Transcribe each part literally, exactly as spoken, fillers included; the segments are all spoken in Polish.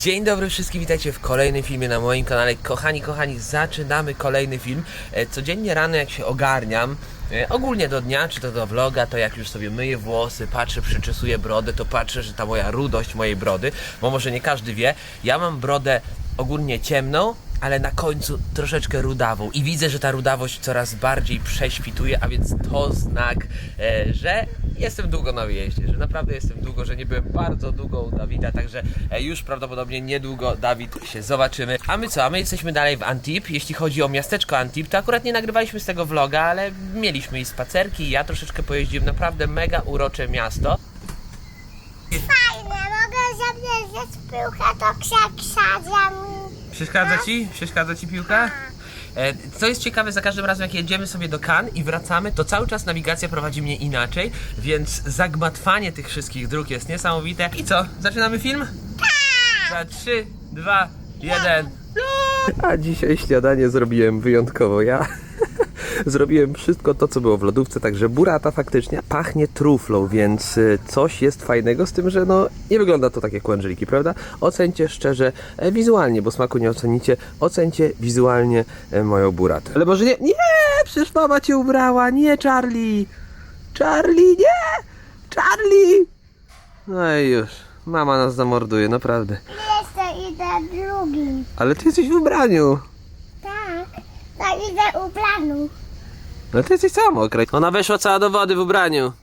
Dzień dobry wszystkim, witajcie w kolejnym filmie na moim kanale. Kochani, kochani, zaczynamy kolejny film. Codziennie rano jak się ogarniam, ogólnie do dnia, czy to do vloga, to jak już sobie myję włosy, patrzę, przyczesuję brodę, to patrzę, że ta moja rudość mojej brody, bo może nie każdy wie, ja mam brodę ogólnie ciemną, ale na końcu troszeczkę rudawą i widzę, że ta rudawość coraz bardziej prześwituje, a więc to znak, e, że jestem długo na wyjeździe, że naprawdę jestem długo, że nie byłem bardzo długo u Dawida, także e, już prawdopodobnie niedługo Dawid się zobaczymy. A my co? A my jesteśmy dalej w Antibes. Jeśli chodzi o miasteczko Antibes, to akurat nie nagrywaliśmy z tego vloga, ale mieliśmy i spacerki, ja troszeczkę pojeździłem, naprawdę mega urocze miasto. Fajne, mogę zabierać piłkę do krzakrzadza. Przeszkadza ci? Przeszkadza ci piłka? E, co jest ciekawe, za każdym razem jak jedziemy sobie do Cannes i wracamy, to cały czas nawigacja prowadzi mnie inaczej, więc zagmatwanie tych wszystkich dróg jest niesamowite. I co? Zaczynamy film? Tak! Za trzy, dwa, jeden. A dzisiaj śniadanie zrobiłem wyjątkowo ja. Zrobiłem wszystko to, co było w lodówce, także burrata faktycznie pachnie truflą, więc coś jest fajnego z tym, że no nie wygląda to tak jak u Angeliki, prawda? Ocencie szczerze, e, wizualnie, bo smaku nie ocenicie, ocencie wizualnie e, moją burratę. Ale może nie, nie, przecież mama cię ubrała, nie Charlie, Charlie, nie, Charlie. No i już, mama nas zamorduje, naprawdę. Jeszcze idę drugi. Ale ty jesteś w ubraniu. Tak, tak idę ubranu. No ty jesteś cała mokra. Ona weszła cała do wody w ubraniu.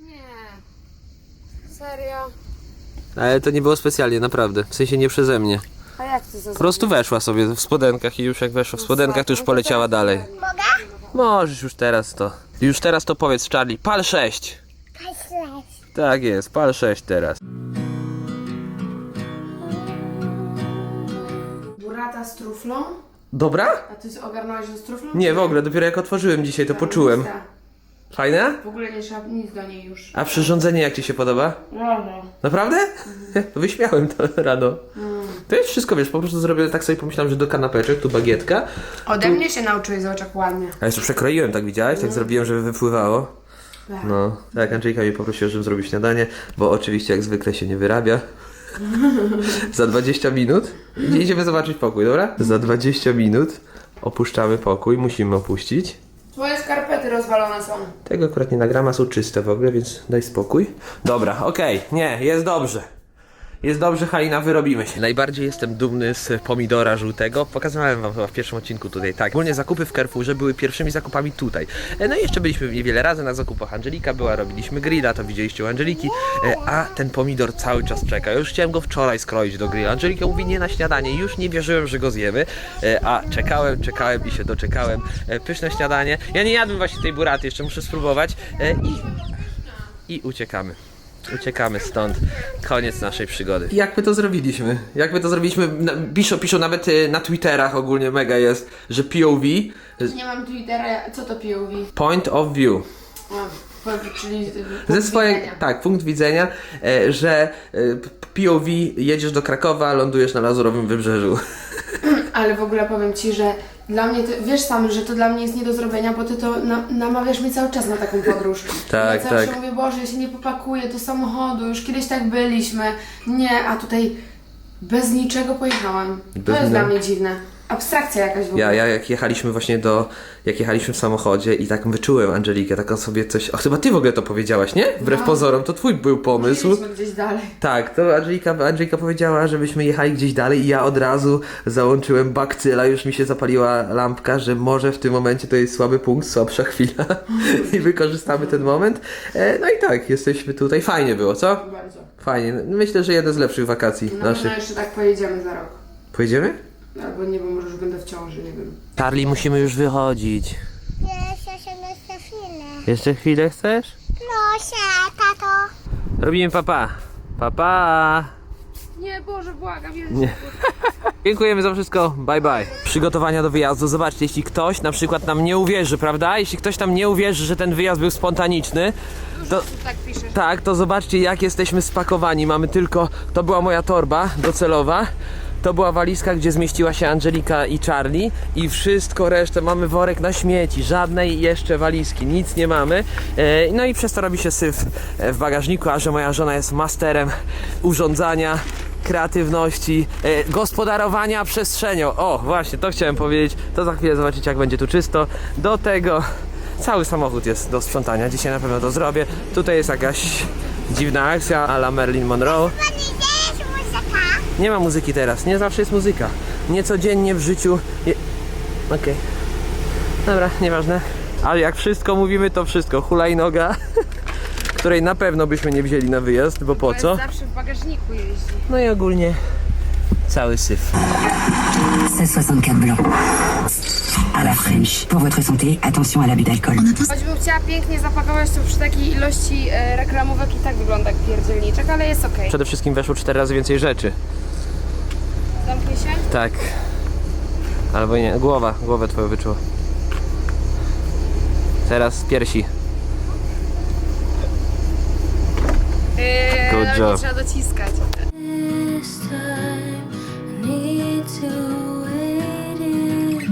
Nie. Serio? Ale to nie było specjalnie, naprawdę. W sensie nie przeze mnie. A jak ty to Po prostu weszła sobie w spodenkach i już jak weszła w spodenkach, to już poleciała dalej. Mogę? Możesz już teraz to. Już teraz to powiedz, Charlie. Pal sześć. Patrzeć. Tak jest, pal sześć teraz. Burrata z truflą? Dobra? A ty ogarnąłeś ją z truflą? Nie, w ogóle, dopiero jak otworzyłem dzisiaj, to poczułem. Fajne? W ogóle nie trzeba nic do niej już. A przyrządzenie jak ci się podoba? Brawo. Naprawdę? Wyśmiałem to rano. To jest wszystko, wiesz, po prostu zrobię, tak sobie pomyślałem, że do kanapeczek, tu bagietka. Ode mnie się nauczyłeś, zobacz jak ładnie. A jeszcze przekroiłem, tak widziałeś? Tak zrobiłem, żeby wypływało. Tak. No, tak, Angelika mnie poprosiła, żebym zrobił śniadanie, bo oczywiście jak zwykle się nie wyrabia. Za dwadzieścia minut idziemy zobaczyć pokój, dobra? Za dwadzieścia minut opuszczamy pokój, musimy opuścić. Twoje skarpety rozwalone są. Tego akurat nie nagrama, są czyste w ogóle, więc daj spokój. Dobra, okej, okay. Nie, jest dobrze. Jest dobrze, Halina, wyrobimy się. Najbardziej jestem dumny z pomidora żółtego. Pokazywałem wam chyba w pierwszym odcinku tutaj. Tak, ogólnie zakupy w Carrefourze były pierwszymi zakupami tutaj. No i jeszcze byliśmy niewiele razy na zakupach. Angelika była, robiliśmy grilla, to widzieliście u Angeliki. A ten pomidor cały czas czeka. Ja już chciałem go wczoraj skroić do grilla. Angelika mówi nie na śniadanie. Już nie wierzyłem, że go zjemy. A czekałem, czekałem i się doczekałem. Pyszne śniadanie. Ja nie jadłem właśnie tej burraty, jeszcze muszę spróbować. I, i uciekamy. Uciekamy stąd. Koniec naszej przygody. Jak my to zrobiliśmy? Jak my to zrobiliśmy? Piszą, piszą nawet na Twitterach ogólnie mega jest, że P O V. Nie mam Twittera, co to P O V? Point of view. A, czyli Ze swojej, tak, punkt widzenia, e, że e, P O V jedziesz do Krakowa, lądujesz na Lazurowym Wybrzeżu. Ale w ogóle powiem ci, że dla mnie, to, wiesz sam, że to dla mnie jest nie do zrobienia, bo ty to na, namawiasz mnie cały czas na taką podróż. Tak, ja zawsze tak. mówię, Boże, ja się nie popakuję do samochodu, już kiedyś tak byliśmy. Nie, a tutaj bez niczego pojechałam. Bez to jest ni- dla mnie dziwne. Abstrakcja jakaś w ogóle. Ja, ja jak jechaliśmy właśnie do, jak jechaliśmy w samochodzie i tak wyczułem Angelikę, taką sobie coś, o chyba ty w ogóle to powiedziałaś, nie? Wbrew No. pozorom, to twój był pomysł. Byliśmy gdzieś dalej. Tak, to Angelika, Angelika powiedziała, żebyśmy jechali gdzieś dalej i ja od razu załączyłem bakcyla, już mi się zapaliła lampka, że może w tym momencie to jest słaby punkt, słabsza chwila i wykorzystamy ten moment. E, no i tak, jesteśmy tutaj, fajnie było, co? Bardzo. Fajnie, myślę, że jeden z lepszych wakacji Na naszych. pewno jeszcze tak pojedziemy za rok. Pojedziemy? Albo nie wiem, może już będę w ciąży, nie wiem. Charlie, musimy już wychodzić. Jeszcze się jeszcze chwilę. Jeszcze chwilę chcesz? Proszę, tato. Robimy papa. Papa. Nie, Boże, błagam, Jezus. Nie. Dziękujemy za wszystko, bye bye. Przygotowania do wyjazdu, zobaczcie, jeśli ktoś na przykład nam nie uwierzy, prawda? Jeśli ktoś nam nie uwierzy, że ten wyjazd był spontaniczny, to Tak piszesz. tak, to zobaczcie jak jesteśmy spakowani. Mamy tylko, to była moja torba docelowa. To była walizka, gdzie zmieściła się Angelika i Charlie i wszystko resztę, mamy worek na śmieci, żadnej jeszcze walizki, nic nie mamy. E, no i przez to robi się syf w bagażniku, a że moja żona jest masterem urządzania, kreatywności, e, gospodarowania przestrzenią. O, właśnie, to chciałem powiedzieć. To za chwilę zobaczycie, jak będzie tu czysto. Do tego cały samochód jest do sprzątania. Dzisiaj na pewno to zrobię. Tutaj jest jakaś dziwna akcja a la Marilyn Monroe. Pani, gdzie jest muzyka? Nie ma muzyki teraz, nie zawsze jest muzyka. Nie codziennie w życiu. Je... Okej. Dobra, nieważne. Ale jak wszystko mówimy, to wszystko. Hulajnoga, której na pewno byśmy nie wzięli na wyjazd, bo po co? Zawsze w bagażniku jeździ. No i ogólnie cały syf. seize soixante-quatre blanc. À la French. Pour votre santé, attention à l'abus d'alcool. Choćbym chciała pięknie zapakować, to przy takiej ilości e, reklamówek i tak wygląda jak pierdzielniczek, ale jest okej. Przede wszystkim weszło cztery razy więcej rzeczy. Zamknij się. Tak. Albo nie, głowa, głowę twoją wyczuło. Teraz piersi. Yy, Good ale job. nie trzeba dociskać. This time I need to wait it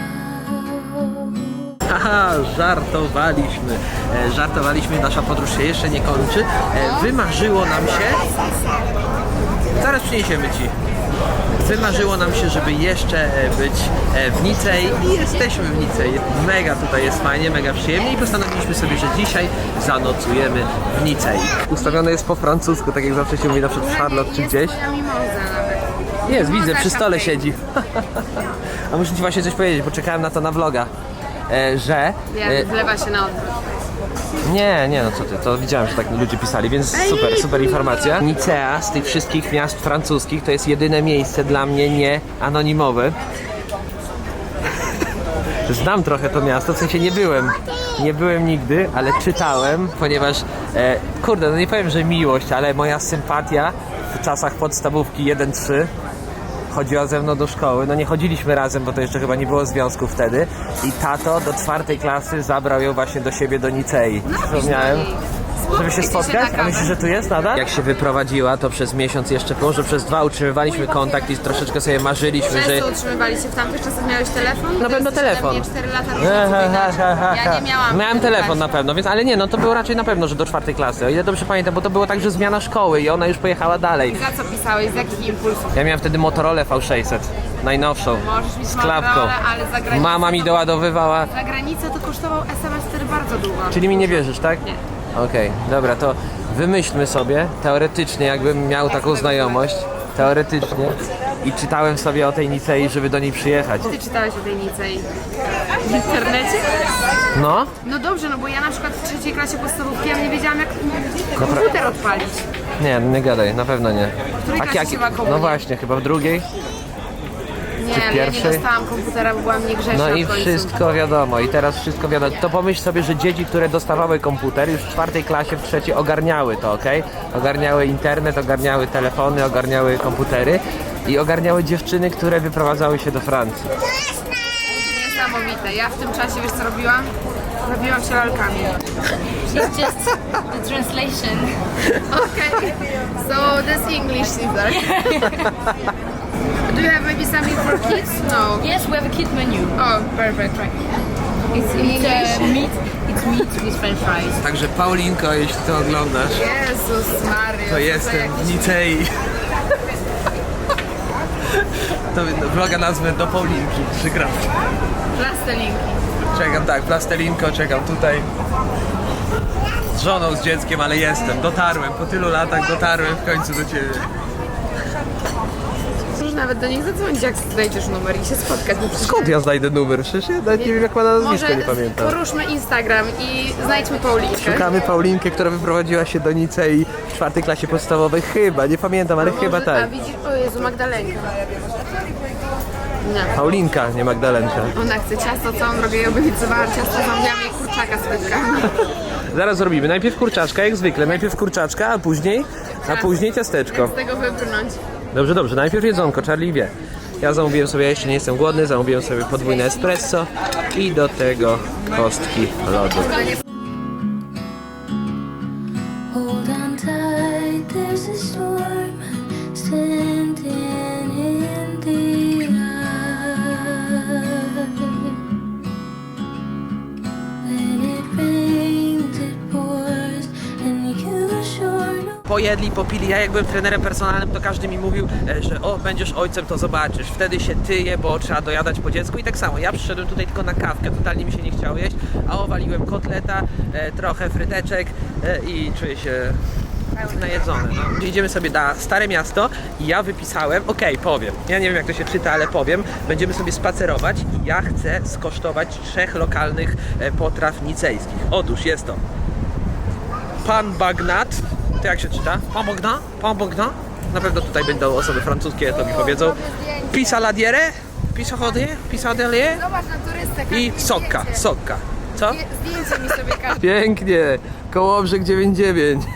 out. Haha, żartowaliśmy. E, żartowaliśmy, nasza podróż się jeszcze nie kończy. E, wymarzyło nam się... Zaraz przyniesiemy ci. Wymarzyło nam się, żeby jeszcze e, być e, w Nicei i jesteśmy w Nicei. Mega tutaj jest fajnie, mega przyjemnie i postanowiliśmy sobie, że dzisiaj zanocujemy w Nicei. Ustawione jest po francusku, tak jak zawsze się mówi na przykład w Charlotte czy Jest gdzieś. moja mimoza nawet. Jest, widzę, Mimoza przy stole champagne. siedzi. A muszę ci właśnie coś powiedzieć, bo czekałem na to na vloga, e, że... E, Wiem, wlewa się na odwrót. nie, nie, no co ty, to widziałem, że tak ludzie pisali, więc super, super informacja. Nicea z tych wszystkich miast francuskich to jest jedyne miejsce dla mnie nie anonimowe. Znam trochę to miasto, w sensie nie byłem, nie byłem nigdy, ale czytałem, ponieważ, e, kurde, no nie powiem, że miłość, ale moja sympatia w czasach podstawówki jeden trzy chodziła ze mną do szkoły. No nie chodziliśmy razem, bo to jeszcze chyba nie było związku wtedy. I tato do czwartej klasy zabrał ją właśnie do siebie do Nicei. Wspomniałem, żeby się spotkać. A myślisz, że tu jest nadal? Jak się wyprowadziła, to przez miesiąc jeszcze, może przez dwa utrzymywaliśmy kontakt i troszeczkę sobie marzyliśmy, że... Często utrzymywaliście w tamtych czasach, miałeś telefon? Na pewno Ty jesteś telefon. ode mnie cztery lata różnicy wieku. Ja nie miałam. Miałem telefon na pewno, więc ale nie, no to było raczej na pewno, że do czwartej klasy. O ile dobrze pamiętam, bo to było tak, że zmiana szkoły i ona już pojechała dalej. Za co pisałeś? Z jakich impulsów? Ja miałem wtedy Motorola V sześćset, najnowszą, Możesz mieć z klapką. Motorola, ale za granicą Mama mi to- doładowywała. Za granicę to kosztował S M S wtedy bardzo długo. Czyli mi nie wierzysz, tak? Nie. Okej, dobra, to wymyślmy sobie, teoretycznie, jakbym miał taką znajomość, teoretycznie, i czytałem sobie o tej Nicei, żeby do niej przyjechać. Ty czytałeś o tej Nicei w internecie? No? No dobrze, no bo ja na przykład w trzeciej klasie podstawówki ja nie wiedziałam jak komputer odpalić. Nie, nie gadaj, na pewno nie. której klasie się ma komunię? No właśnie, chyba w drugiej. Nie, ale ja nie pierwszej? dostałam komputera, bo byłam niegrzeczna No i w końcu. wszystko wiadomo, i teraz wszystko wiadomo. To pomyśl sobie, że dzieci, które dostawały komputer już w czwartej klasie, w trzeciej ogarniały to, okej? Ogarniały internet, ogarniały telefony, ogarniały komputery i ogarniały dziewczyny, które wyprowadzały się do Francji. Niesamowite. Ja w tym czasie, wiesz co robiłam? Robiłam się lalkami. It's just the translation. Okay, so this English is there. Do you have maybe something for kids? No. Yes, we have a kid menu. Oh, perfect, right. It's, it's uh, meat. It's meat with French fries. Także Paulinko, jeśli to oglądasz, Jezus Maria. to jestem w Nicei. To vloga nazwę do Paulinki, przykro. Plastelinki. Czekam, tak, plastelinko, czekam tutaj. Z żoną, z dzieckiem, ale jestem, dotarłem, po tylu latach dotarłem w końcu do ciebie. Możesz nawet do nich zadzwonić, jak znajdziesz numer i się spotkać. bo przecież- Skąd ja znajdę numer? Przecież ja nawet nie wiem, jak ma na nazwisko, Może nie pamiętam. poruszmy Instagram i znajdźmy Paulinkę. Szukamy Paulinkę, która wyprowadziła się do Nicei w czwartej klasie podstawowej. Chyba, nie pamiętam, ale chyba Może- A tak. widzisz, o Jezu, Magdalenka. Nie. Paulinka, nie Magdalenka. Ona chce ciasto, całą drogę jej obiecywała ciasto, zamówiłam jej kurczaka z frytkami. Zaraz zrobimy. Najpierw kurczaczka, jak zwykle. Najpierw kurczaczka, a później, a później ciasteczko. Z tego wybrnąć. Dobrze, dobrze. Najpierw jedzonko, Charlie wie. Ja zamówiłem sobie, ja jeszcze nie jestem głodny, zamówiłem sobie podwójne espresso i do tego kostki lodu. Hold on tight, there's a storm standing in the eye. When it rains, it pours, and you sure know. Pojedli, popili. Ja jak byłem trenerem personalnym, to każdy mi mówił, e, że o, będziesz ojcem, to zobaczysz. Wtedy się tyje, bo trzeba dojadać po dziecku. I tak samo, ja przyszedłem tutaj tylko na kawkę, totalnie mi się nie chciało jeść, a owaliłem kotleta, e, trochę fryteczek e, i czuję się najedzony. No. Idziemy sobie na Stare Miasto i ja wypisałem, okej, powiem, ja nie wiem jak to się czyta, ale powiem, będziemy sobie spacerować i ja chcę skosztować trzech lokalnych e, potraw nicejskich. Otóż jest to Pan Bagnat, to jak się czyta? Pan Bagnat? Pan Bagnat? Na pewno tutaj będą osoby francuskie, to mi powiedzą. Pisaladiere? Pisachodie? Pisadelier? Zobacz na turystę. I sokka, sokka. Co? Zdjęcie mi sobie każdy. Pięknie! Kołobrzeg dziewięćdziesiąt dziewięć.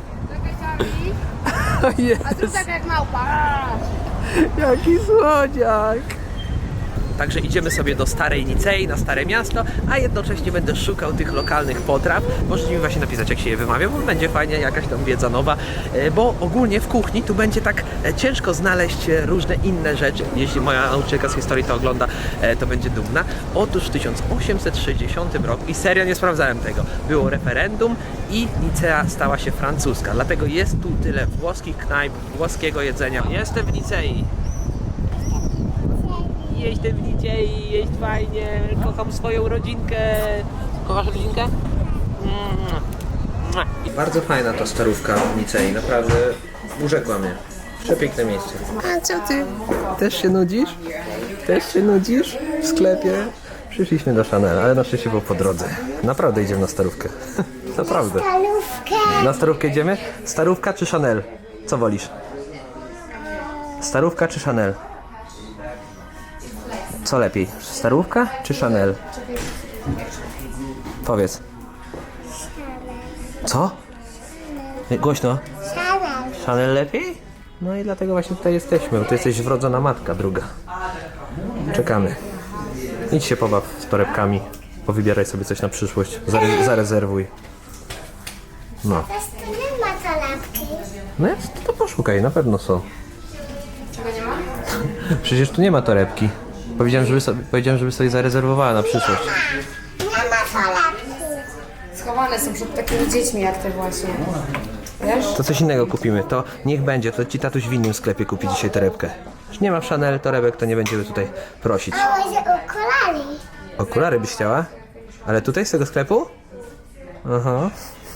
O A tu jest, tak jak małpa. jaki słodziak! Także idziemy sobie do Starej Nicei, na Stare Miasto, a jednocześnie będę szukał tych lokalnych potraw. Możecie mi właśnie napisać, jak się je wymawia, bo będzie fajnie, jakaś tam wiedza nowa, e, bo ogólnie w kuchni tu będzie tak e, ciężko znaleźć e, różne inne rzeczy. Jeśli moja nauczycielka z historii to ogląda, e, to będzie dumna. Otóż w tysiąc osiemset sześćdziesiątym roku, i serio nie sprawdzałem tego, było referendum i Nicea stała się francuska. Dlatego jest tu tyle włoskich knajp, włoskiego jedzenia. Jestem w Nicei. Jestem w Nicei, jest fajnie, kocham swoją rodzinkę. Kochasz rodzinkę? Mm. Bardzo fajna ta starówka w Nicei, naprawdę urzekła mnie. Przepiękne miejsce. A co ty? Też się nudzisz? Też się nudzisz w sklepie? Przyszliśmy do Chanel, ale na szczęście było po drodze. Naprawdę idziemy na starówkę. Naprawdę. Stalówkę. Na starówkę idziemy? Starówka czy Chanel? Co wolisz? Starówka czy Chanel? Co lepiej? Starówka czy Chanel? Powiedz. Co? Nie, głośno. Szalał. Chanel lepiej? No i dlatego właśnie tutaj jesteśmy, bo ty jesteś wrodzona matka druga. Czekamy. Idź się pobaw z torebkami. Powybieraj sobie coś na przyszłość. Zare zarezerwuj. No. Też tu nie ma torebki. No jest, to poszukaj, na pewno są. Czego nie ma? Przecież tu nie ma torebki. Powiedziałem, żeby sobie, powiedziałem, żeby sobie zarezerwowała na przyszłość. Nie ma torebki. Schowane są przed takimi dziećmi jak te właśnie. Wiesz? To coś innego kupimy. To niech będzie, to ci tatuś w innym sklepie kupi dzisiaj torebkę. Już nie ma w Chanel torebek, to nie będziemy tutaj prosić. A może okulary? Okulary byś chciała? Ale tutaj z tego sklepu? Aha.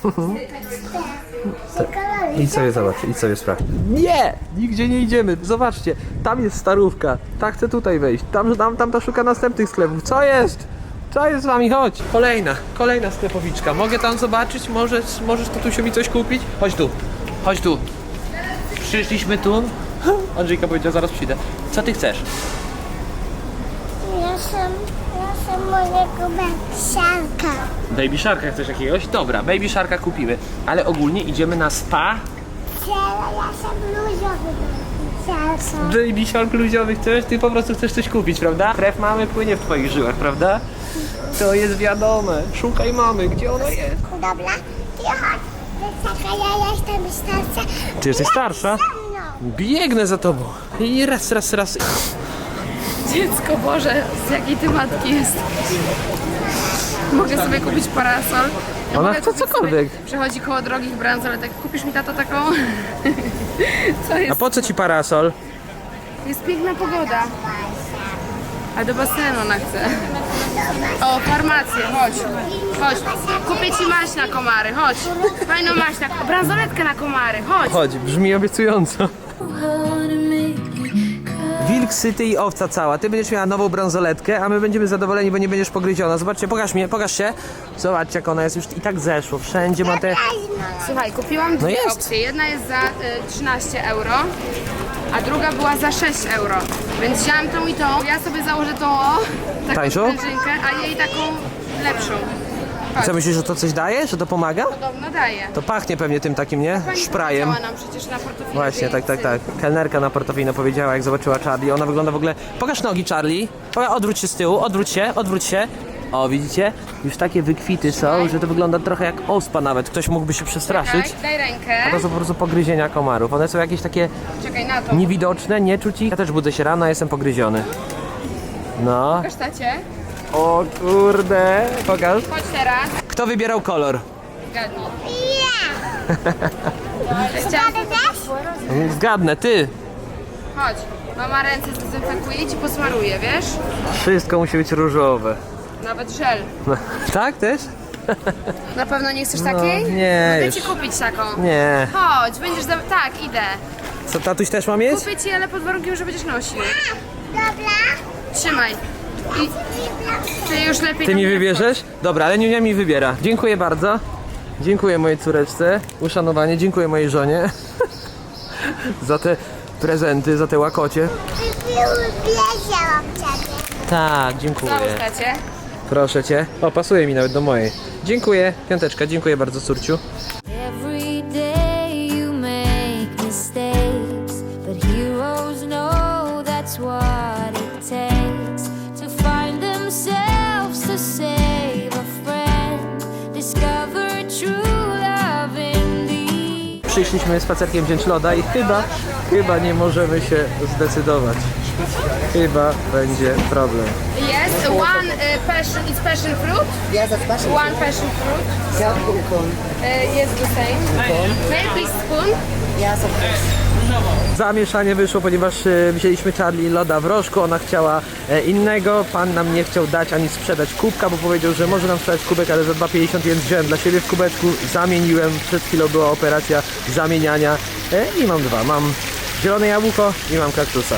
Okulary. Idź sobie zobacz, idź sobie sprawdź. Nie! Nigdzie nie idziemy. Zobaczcie, tam jest starówka. Ta chce tutaj wejść. Tam, tam, tam ta szuka następnych sklepów. Co jest? Co jest z wami? Chodź. Kolejna, kolejna sklepowiczka. Mogę tam zobaczyć? Możesz, możesz tatusiu mi coś kupić? Chodź tu. Chodź tu. Przyszliśmy tu. Andrzejka powiedziała, zaraz przyjdę. Co ty chcesz? Ja sam, ja sam mojego siarka. Baby Sharka chcesz jakiegoś? Dobra, Baby Sharka kupimy. Ale ogólnie idziemy na spa. Ja sam luzowy siarka. Baby Shark luźowy chcesz? Ty po prostu chcesz coś kupić, prawda? Krew mamy płynie w twoich żyłach, prawda? To jest wiadome. Szukaj mamy, gdzie ona jest? Dobra, ty chodź. Czekaj, ja jestem starsza. Ty jesteś starsza? No. Biegnę za tobą. I raz, raz, raz. Dziecko Boże, z jakiej ty matki jest? Mogę sobie kupić parasol. Ja Ona mogę chce kupić cokolwiek. Sobie, przechodzi koło drogich bransoletek. Kupisz mi tato taką? Co A jest? po co ci parasol? Jest piękna pogoda. A do basenu ona chce. O, farmację, chodź. Chodź. Kupię ci maść na komary, chodź. Fajną maść na... Bransoletkę na komary, chodź. Chodź, brzmi obiecująco. Wilk syty i owca cała. Ty będziesz miała nową bransoletkę, a my będziemy zadowoleni, bo nie będziesz pogryziona. Zobaczcie, pokaż mnie, pokaż się. Zobaczcie, jak ona jest już i tak zeszło. Wszędzie ma te... Słuchaj, kupiłam dwie jest. opcje. Jedna jest za y, trzynaście euro, a druga była za sześć euro. Więc wziąłem tą i tą. Ja sobie założę tą o, taką Tańszą? sprężynkę, a jej taką lepszą. Chodź. Co myślisz, że to coś daje? Że to pomaga? Podobno daje. To pachnie pewnie tym takim, nie? Pani Szprajem. powiedziała nam przecież na portofelu. Właśnie, tak, tak, tak. Kelnerka na portofino powiedziała, jak zobaczyła Charlie. Ona wygląda w ogóle... Pokaż nogi, Charlie. Poka- Odwróć się z tyłu, odwróć się, odwróć się. O, widzicie? Już takie wykwity są, że to wygląda trochę jak ospa nawet. Ktoś mógłby się przestraszyć. Daj, daj rękę. A to są po prostu pogryzienia komarów. One są jakieś takie Czekaj na to. niewidoczne, nie czuć ich. Ja też budzę się rano, a jestem pogryziony. No. Pokaż tacie. O kurde. Pokaż. Chodź teraz. Kto wybierał kolor? Zgadnij. Ja. Chciałam... Zgadnę, ty! Chodź. Mama ręce zdezynfekuje i ci posmaruje, wiesz? Wszystko musi być różowe. Nawet żel. Tak też? Na pewno nie chcesz takiej? No, nie, Mogę już. ci kupić taką. Nie. Chodź, będziesz... Za... Tak, idę. Co, tatuś też ma mieć? Kupię ci, ale pod warunkiem, że będziesz nosił. Dobra. Trzymaj. I ty już lepiej... Ty tam mi nie wybierzesz? Dobra, ale Niunia mi wybiera. Dziękuję bardzo. Dziękuję mojej córeczce. Uszanowanie. Dziękuję mojej żonie. Za te prezenty, za te łakocie. Wiedziałam ciebie. Tak, wchodź. dziękuję. Załóż tacie. Proszę cię. O, pasuje mi nawet do mojej. Dziękuję. Piąteczka, dziękuję bardzo, córciu. Every day you make mistakes, but heroes know that's what it takes to find themselves, to save a friend, discover true love in the... Przyszliśmy spacerkiem wziąć loda i chyba, chyba nie możemy się zdecydować. Chyba będzie problem. Yes, one uh, passion is passion fruit. Yes, that's passion. One passion fruit. Yeah, cone. Uh, yes, the same. May I please spoon? Yes, of course. Zamieszanie wyszło, ponieważ e, wzięliśmy Charlie loda w rożku, ona chciała e, innego, pan nam nie chciał dać ani sprzedać kubka, bo powiedział, że może nam sprzedać kubek, ale za dwa pięćdziesiąt, więc wziąłem dla siebie w kubeczku, zamieniłem, przed chwilą była operacja zamieniania e, i mam dwa, mam zielone jabłko i mam kaktusa.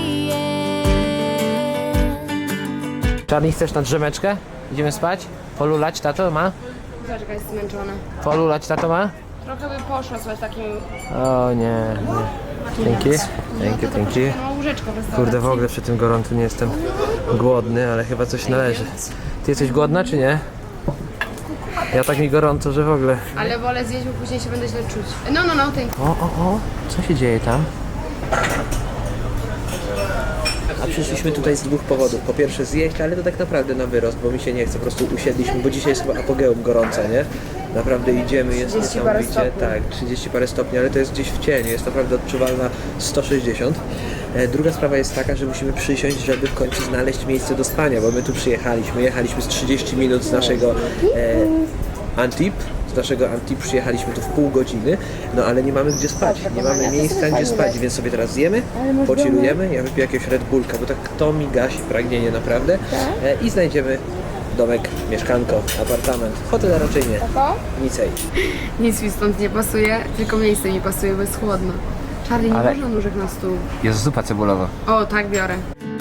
Charlie, chcesz na drzemeczkę? Idziemy spać? Polulać tato ma? Zobacz, jaka jest zmęczona. Polulać tato ma? Trochę by poszła słuchaj, takim... O nie, nie. Dzięki, dzięki, dzięki. No, łóżeczko w restauracji. Kurde, w ogóle przy tym gorącu nie jestem głodny, ale chyba coś należy. Ty jesteś głodna, czy nie? Ja tak mi gorąco, że w ogóle... Ale wolę zjeść, bo później się będę źle czuć. No, no, no, thank you. O, o, o, co się dzieje tam? A przyszliśmy tutaj z dwóch powodów. Po pierwsze zjeść, ale to tak naprawdę na wyrost, bo mi się nie chce. Po prostu usiedliśmy, bo dzisiaj jest chyba apogeum gorąca, nie? Naprawdę idziemy, jest trzydzieści parę niesamowicie. stopni. Tak, trzydzieści parę stopni, ale to jest gdzieś w cieniu, jest naprawdę odczuwalna sto sześćdziesiąt. E, Druga sprawa jest taka, że musimy przysiąść, żeby w końcu znaleźć miejsce do spania, bo my tu przyjechaliśmy, jechaliśmy z trzydzieści minut z naszego e, Antip, z naszego Antip przyjechaliśmy tu w pół godziny, no ale nie mamy gdzie spać, nie mamy miejsca gdzie spać, więc sobie teraz zjemy, pochillujemy, ja wypiję jakiegoś Red Bullka, bo tak to mi gasi pragnienie naprawdę e, i znajdziemy domek, mieszkanko, apartament, hotel raczej nie, nicej. Nic mi stąd nie pasuje, tylko miejsce mi pasuje, bo jest chłodno. Charlie, nie Ale- można nóżek na stół. Jest zupa cebulowa. O, tak biorę.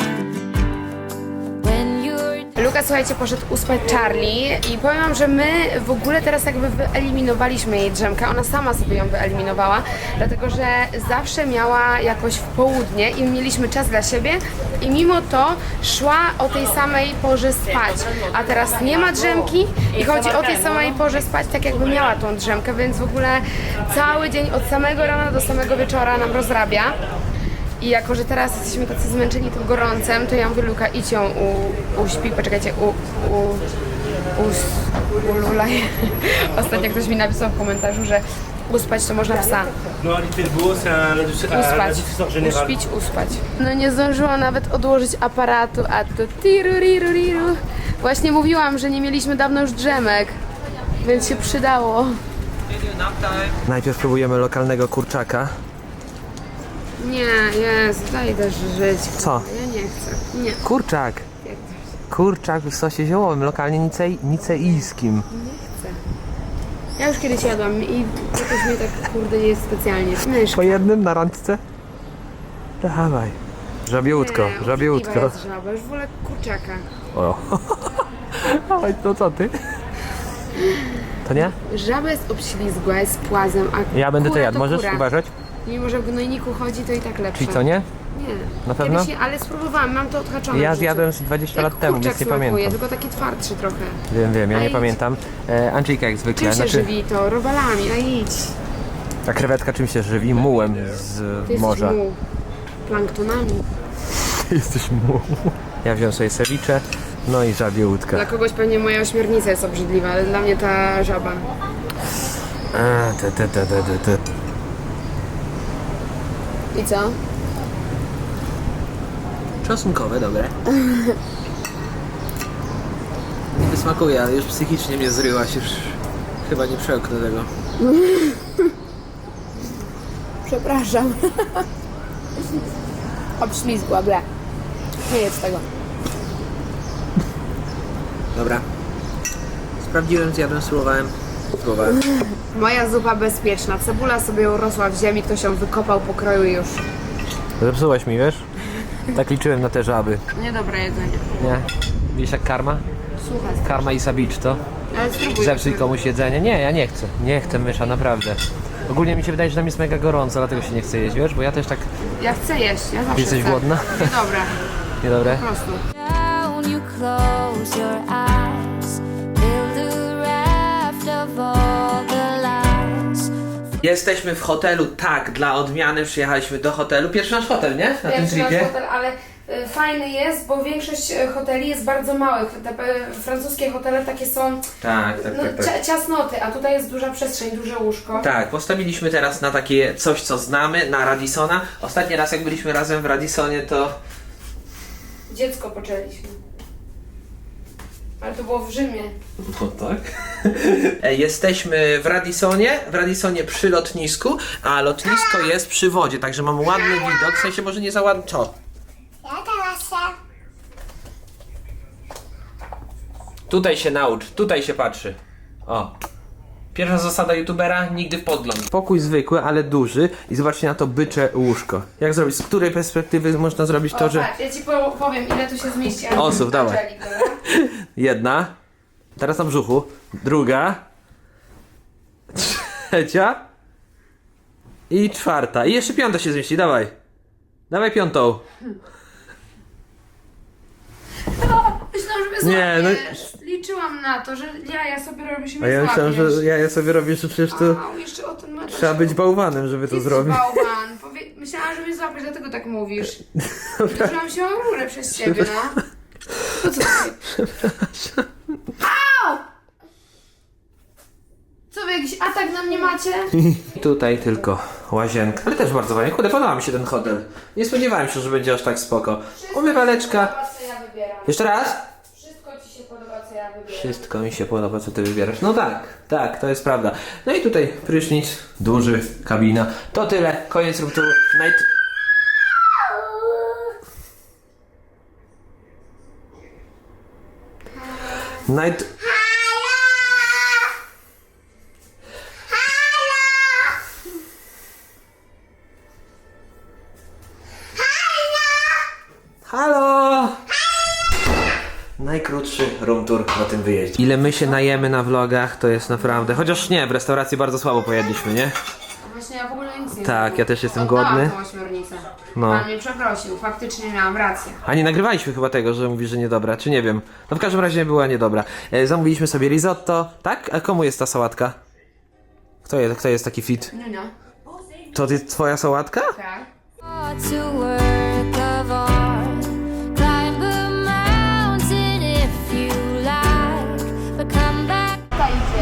When you're Luka, słuchajcie, poszedł uspać Charlie i powiem wam, że my w ogóle teraz jakby wyeliminowaliśmy jej drzemkę, ona sama sobie ją wyeliminowała, dlatego że zawsze miała jakoś w południe i mieliśmy czas dla siebie i mimo to szła o tej samej porze spać, a teraz nie ma drzemki i chodzi o tej samej porze spać, tak jakby miała tą drzemkę, więc w ogóle cały dzień od samego rana do samego wieczora nam rozrabia. I jako, że teraz jesteśmy tacy zmęczeni tym gorącem, to ja mówię, Luka, idź ją u, uśpi, poczekajcie, u, u, u, ululaj. Ostatnio ktoś mi napisał w komentarzu, że uspać to można psa. Non, l'Ipelbo, c'est un, un, un Uspać, diffuseur général. uśpić, uspać. No nie zdążyłam nawet odłożyć aparatu, a to tiruriru. Właśnie mówiłam, że nie mieliśmy dawno już drzemek, więc się przydało. Najpierw próbujemy lokalnego kurczaka. Nie, Jezu, daj też żyć. Co? Ja nie chcę, nie. Kurczak. Kurczak w sosie ziołowym, lokalnie nicej, niceijskim. Ja już kiedyś jadłam i jakoś mnie tak, kurde, nie jest specjalnie. Myszka. Po jednym na randce? Dawaj. Żabiutko, Nie, żabiutko. obrzydliwa jest żaba, już wolę kurczaka. O. Oj, to co ty? To nie? Żaba jest obślizgła, jest płazem, a Ja będę to kura jadł, możesz kura. uważać? Mimo, że w gnojniku chodzi, to i tak lepsze. Czyli co, nie? Nie. Na pewno? Kiedyś, ale spróbowałam, mam to odhaczone. Ja w życiu. zjadłem z dwadzieścia Jak lat temu, kurczak więc nie smakuje, pamiętam. tylko taki twardszy trochę. Wiem, wiem, ja A nie idź. pamiętam. E, Andrzejka jak zwykle. Czym się żywi to? Robalami, a idź. A krewetka czym się żywi? Mułem z Ty morza. jesteś muł. Planktonami. Ty jesteś muł. Ja wziąłem sobie ceviche, no i żabie łódka. Dla kogoś pewnie moja ośmiornica jest obrzydliwa, ale dla mnie ta żaba. A, te, te, te, te, te, te. I co? Czosnkowe, dobre. Nie wysmakuje, ale już psychicznie mnie zryłaś, już Chyba nie przełknę tego. Przepraszam. Obślizgła, ble. Nie jedz tego. Dobra. Sprawdziłem, zjadłem, spróbowałem. Spróbowałem. Moja zupa bezpieczna. Cebula sobie urosła w ziemi, ktoś ją wykopał, pokroił i już. Zepsułaś mi, wiesz? Tak liczyłem na te żaby. Niedobre jedzenie. Nie? Wiesz jak karma? Słuchaj. Karma i sabicz to? Ale spróbuj. Zepsuj komuś jedzenie? Nie, ja nie chcę. Nie chcę, mysza, naprawdę. Ogólnie mi się wydaje, że tam jest mega gorąco, dlatego się nie chce jeść, wiesz? Bo ja też tak... Ja chcę jeść, ja zawsze Jesteś chcę. głodna? Niedobre, Niedobre? po prostu. Down, you close your eyes. Build a raft of all the lies. Jesteśmy w hotelu, tak, dla odmiany przyjechaliśmy do hotelu. Pierwszy nasz hotel, nie? Na tym Pierwszy nasz tripie. hotel, ale y, fajny jest, bo większość y, hoteli jest bardzo małych. Te y, francuskie hotele takie są Tak, tak, no, tak. tak. cia- ciasnoty, a tutaj jest duża przestrzeń, duże łóżko. Tak, postawiliśmy teraz na takie coś, co znamy, na Radissona. Ostatni raz, jak byliśmy razem w Radissonie, to... Dziecko poczęliśmy. Ale to było w Rzymie. No tak. E, Jesteśmy w Radissonie, w Radissonie przy lotnisku, a lotnisko jest przy wodzie, także mamy ładny widok, w sensie może nie za ładny... Co? Ja teraz się... Tutaj się naucz, tutaj się patrzy. O. Pierwsza zasada youtubera, nigdy w podgląd. Pokój zwykły, ale duży i zobaczcie na to bycze łóżko. Jak zrobić, z której perspektywy można zrobić to, O, że... patrz, ja ci po- powiem, ile tu się zmieści. ale- Osób, dawaj. Angelik, dobra? Jedna. Teraz na brzuchu. Druga. Trzecia. I czwarta. I jeszcze piąta się zmieści, dawaj. Dawaj piątą. Myślałam, że mnie Nie, no- złapiesz. Liczyłam na to, że ja, ja sobie robię się A ja myślałem, że ja, ja sobie robię, że przecież to Au, jeszcze o tym masz. trzeba być bałwanem, żeby to Ty zrobić. bałwan. Powie... Myślałam, że mnie złapiesz, dlatego tak mówisz. Uderzyłam się o rurę przez ciebie, no. To co ty? Au! Co wy, jakiś atak na mnie macie? Tutaj tylko łazienka. Ale też bardzo fajnie. Kurde, podoba mi się ten hotel. Nie spodziewałem się, że będzie aż tak spoko. Umywaleczka. Podoba, co ja wybieram. Jeszcze raz? Wszystko ci się podoba, co ja wybieram. Wszystko mi się podoba, co ty wybierasz. No tak, tak, to jest prawda. No i tutaj prysznic, duży, kabina. To tyle, koniec room tour. Night... Night... Halo! Najkrótszy room tour na tym wyjeździe. Ile my się najemy na vlogach, to jest naprawdę... Chociaż nie, w restauracji bardzo słabo pojedliśmy, nie? Właśnie ja w ogóle nic nie Tak, ja też jestem Oddałam głodny. tą ośmiornicę. No. Pan mnie przeprosił, faktycznie miałam rację. A nie nagrywaliśmy chyba tego, że mówisz, że niedobra, czy nie wiem. No w każdym razie była niedobra. E, zamówiliśmy sobie risotto, tak? A komu jest ta sałatka? Kto jest, kto jest taki fit? No, no. To jest twoja sałatka? Tak. To work of art. Climb a mountain if you like, but come back. Ta idzie.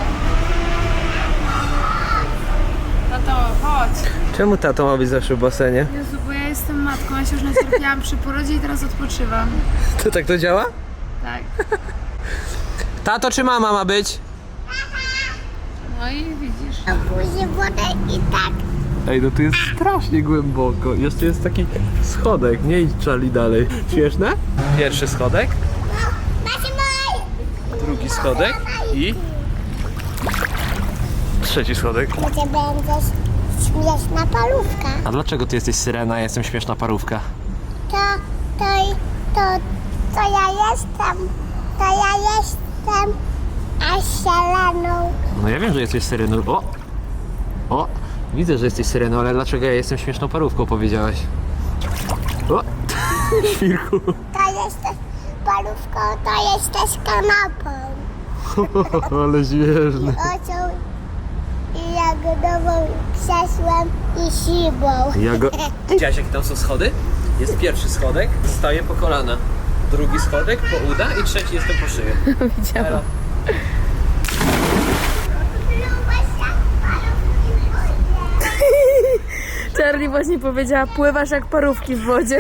Tato, chodź. Czemu tato ma być zawsze w basenie? Jezu, bo ja jestem matką, ja się już nacierpiałam przy porodzie i teraz odpoczywam. To tak to działa? Tak. Tato czy mama ma być? No i widzisz. A później wodę i tak. Ej, no tu jest strasznie głęboko. Jeszcze jest taki schodek, nie idź Charlie dalej. Śmieszne? Pierwszy schodek, Macie mój! drugi schodek i... trzeci schodek. Gdzie będziesz śmieszna parówka. A dlaczego ty jesteś syrena, ja jestem śmieszna parówka? To, to, to, to ja jestem, to ja jestem Asielaną. No ja wiem, że jesteś syreną. O! O! Widzę, że jesteś syreną, ale dlaczego ja jestem śmieszną parówką, powiedziałaś? O! Świrku! To jesteś parówką, to jesteś kanapą. Ale śmieszny. Ocią i jagodową krzesłem i szybą. Ja go... Widziałaś, jakie tam są schody? Jest pierwszy schodek, staję po kolana. Drugi schodek po uda i trzeci jestem po szyję. Widziałam. Charlie właśnie powiedziała, pływasz jak parówki w wodzie.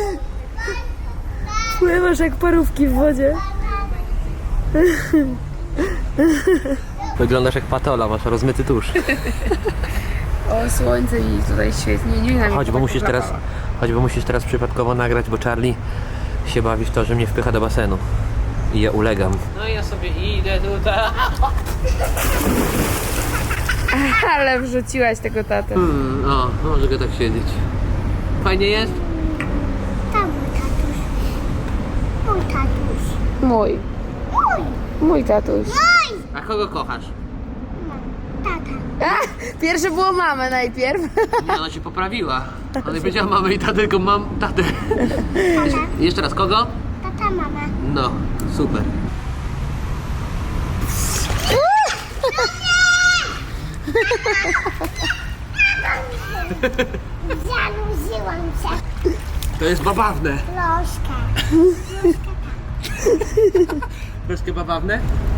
Pływasz jak parówki w wodzie. Wyglądasz jak patola, masz rozmyty tusz. O, słońce mi tutaj świetnie. Nie wiem, Chodź, bo musisz teraz, chodź, bo musisz teraz przypadkowo nagrać, bo Charlie się bawi w to, że mnie wpycha do basenu. I ja ulegam. No i ja sobie idę tutaj. Ale wrzuciłaś tego tatę. Hmm, o, może go tak siedzieć. Fajnie jest? Tam mój tatuś. Mój tatuś. Mój. Mój. Mój tatuś. Mój. A kogo kochasz? Tata. A, pierwsze było mamę najpierw. Nie, ona się poprawiła. Ona nie powiedziała mamy i tatę, tylko mam tatę. Jeszcze raz, kogo? Tata, mama. No, super. Zanudziłam się. To jest babawne. Troszkę. Troszkę babawne?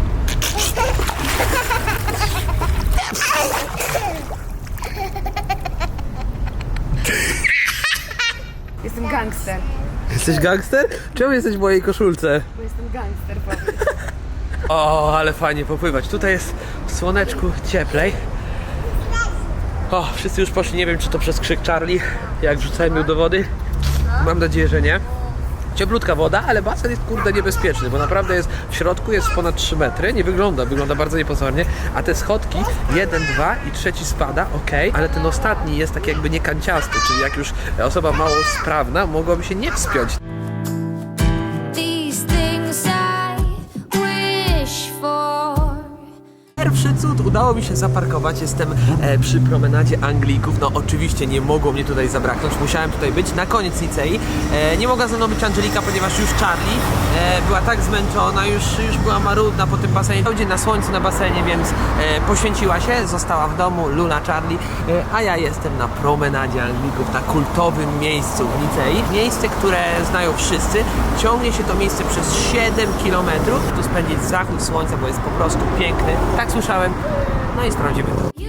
Jestem gangster. Jesteś gangster? Czemu jesteś w mojej koszulce? Bo jestem gangster, powiedz. O, ale fajnie popływać. Tutaj jest w słoneczku cieplej. O, wszyscy już poszli, nie wiem czy to przez krzyk Charlie, jak wrzucałem ją do wody. Mam nadzieję, że nie. Cieplutka woda, ale basen jest kurde niebezpieczny, bo naprawdę jest w środku, jest ponad trzy metry, nie wygląda, wygląda bardzo niepozornie, a te schodki, jeden, dwa i trzeci spada, ok, ale ten ostatni jest tak jakby niekanciasty, czyli jak już osoba mało sprawna mogłaby się nie wspiąć. These things I wish for. Pierwszy cud, udało mi się zaparkować, jestem e, przy promenadzie Anglików, no oczywiście nie mogło mnie tutaj zabraknąć, musiałem tutaj być na koniec Nicei. E, nie mogła ze mną być Angelika, ponieważ już Charlie e, była tak zmęczona, już, już była marudna po tym basenie. Cały dzień na słońcu na basenie, więc e, poświęciła się, została w domu, Luna, Charlie, e, a ja jestem na promenadzie Anglików, na kultowym miejscu w Nicei. Miejsce, które znają wszyscy, ciągnie się to miejsce przez siedem kilometrów. Tu spędzić zachód słońca, bo jest po prostu piękny. Tak słyszałem, no i sprawdzimy to.